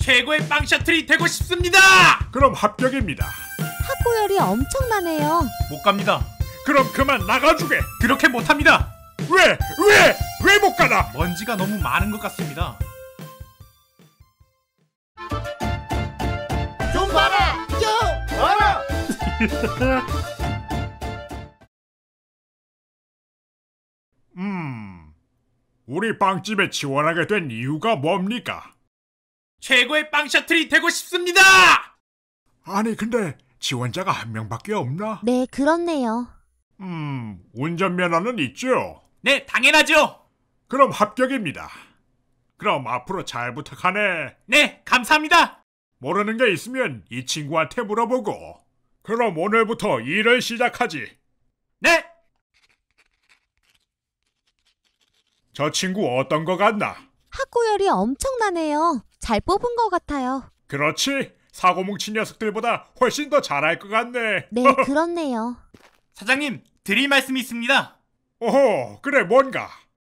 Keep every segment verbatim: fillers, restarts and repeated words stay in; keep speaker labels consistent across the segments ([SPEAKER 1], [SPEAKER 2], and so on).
[SPEAKER 1] 최고의 빵 셔틀이 되고 싶습니다.
[SPEAKER 2] 그럼 합격입니다.
[SPEAKER 3] 학고열이 엄청나네요.
[SPEAKER 1] 못 갑니다.
[SPEAKER 2] 그럼 그만 나가주게.
[SPEAKER 1] 그렇게 못합니다.
[SPEAKER 2] 왜? 왜? 왜 못 가나?
[SPEAKER 1] 먼지가 너무 많은 것 같습니다.
[SPEAKER 4] 좀 봐라! 좀 봐라!
[SPEAKER 2] 음, 우리 빵집에 지원하게 된 이유가 뭡니까?
[SPEAKER 1] 최고의 빵 셔틀이 되고 싶습니다.
[SPEAKER 2] 아니 근데 지원자가 한 명밖에 없나?
[SPEAKER 3] 네, 그렇네요.
[SPEAKER 2] 음, 운전면허는 있죠?
[SPEAKER 1] 네, 당연하죠.
[SPEAKER 2] 그럼 합격입니다. 그럼 앞으로 잘 부탁하네.
[SPEAKER 1] 네, 감사합니다.
[SPEAKER 2] 모르는 게 있으면 이 친구한테 물어보고. 그럼 오늘부터 일을 시작하지.
[SPEAKER 1] 네.
[SPEAKER 2] 저 친구 어떤 거 같나?
[SPEAKER 3] 학고열이 엄청나네요. 잘 뽑은 것 같아요.
[SPEAKER 2] 그렇지? 사고 뭉친 녀석들보다 훨씬 더 잘할 것 같네.
[SPEAKER 3] 네, 그렇네요.
[SPEAKER 1] 사장님, 드릴 말씀이 있습니다.
[SPEAKER 2] 오호, 그래 뭔가?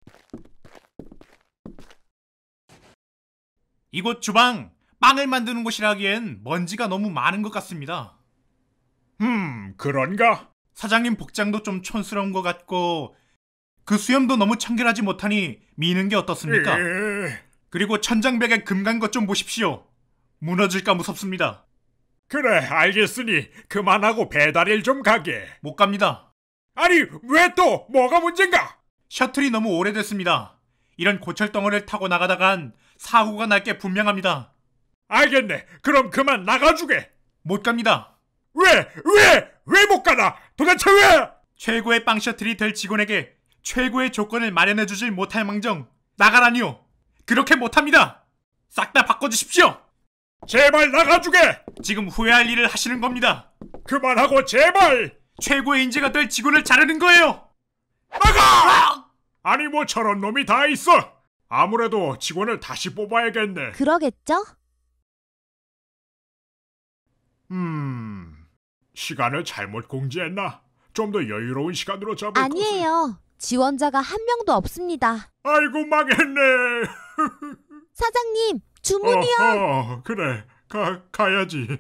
[SPEAKER 1] 이곳 주방, 빵을 만드는 곳이라기엔 먼지가 너무 많은 것 같습니다.
[SPEAKER 2] 음, 그런가?
[SPEAKER 1] 사장님 복장도 좀 촌스러운 것 같고 그 수염도 너무 청결하지 못하니 미는 게 어떻습니까?
[SPEAKER 2] 에이...
[SPEAKER 1] 그리고 천장벽에 금 간 것 좀 보십시오. 무너질까 무섭습니다.
[SPEAKER 2] 그래, 알겠으니 그만하고 배달일 좀 가게.
[SPEAKER 1] 못 갑니다.
[SPEAKER 2] 아니, 왜 또? 뭐가 문제인가?
[SPEAKER 1] 셔틀이 너무 오래됐습니다. 이런 고철덩어리를 타고 나가다간 사고가 날 게 분명합니다.
[SPEAKER 2] 알겠네. 그럼 그만 나가주게.
[SPEAKER 1] 못 갑니다.
[SPEAKER 2] 왜? 왜? 왜 못 가나? 도대체 왜?
[SPEAKER 1] 최고의 빵 셔틀이 될 직원에게 최고의 조건을 마련해주질 못할 망정 나가라니요. 그렇게 못합니다. 싹 다 바꿔주십시오.
[SPEAKER 2] 제발 나가주게.
[SPEAKER 1] 지금 후회할 일을 하시는 겁니다.
[SPEAKER 2] 그만하고 제발.
[SPEAKER 1] 최고의 인재가 될 직원을 자르는 거예요.
[SPEAKER 2] 나가! 아니 뭐 저런 놈이 다 있어. 아무래도 직원을 다시 뽑아야겠네.
[SPEAKER 3] 그러겠죠?
[SPEAKER 2] 음... 시간을 잘못 공지했나? 좀 더 여유로운 시간으로 잡을 것을.
[SPEAKER 3] 아니에요. 지원자가 한 명도 없습니다.
[SPEAKER 2] 아이고 망했네.
[SPEAKER 3] 사장님, 주문이요.
[SPEAKER 2] 어허, 그래, 가, 가야지.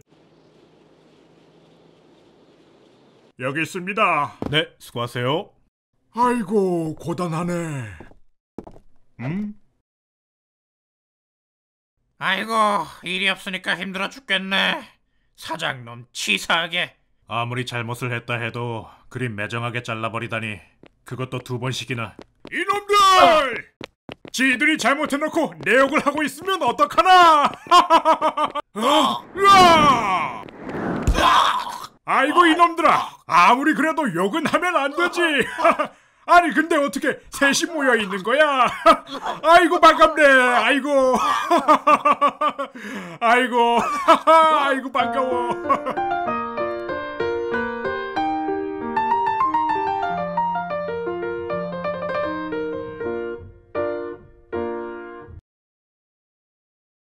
[SPEAKER 2] 여기 있습니다.
[SPEAKER 1] 네, 수고하세요.
[SPEAKER 2] 아이고 고단하네. 음?
[SPEAKER 1] 아이고, 일이 없으니까 힘들어 죽겠네. 사장놈 치사하게. 아무리 잘못을 했다 해도 그리 매정하게 잘라버리다니. 그것도 두 번씩이나.
[SPEAKER 2] 이놈들! 어. 지들이 잘못해놓고 내 욕을 하고 있으면 어떡하나? 으아! 아이고 이놈들아, 아무리 그래도 욕은 하면 안 되지. 아니 근데 어떻게 셋이 모여 있는 거야? 아이고 반갑네. 아이고 아이고 아이고 반가워.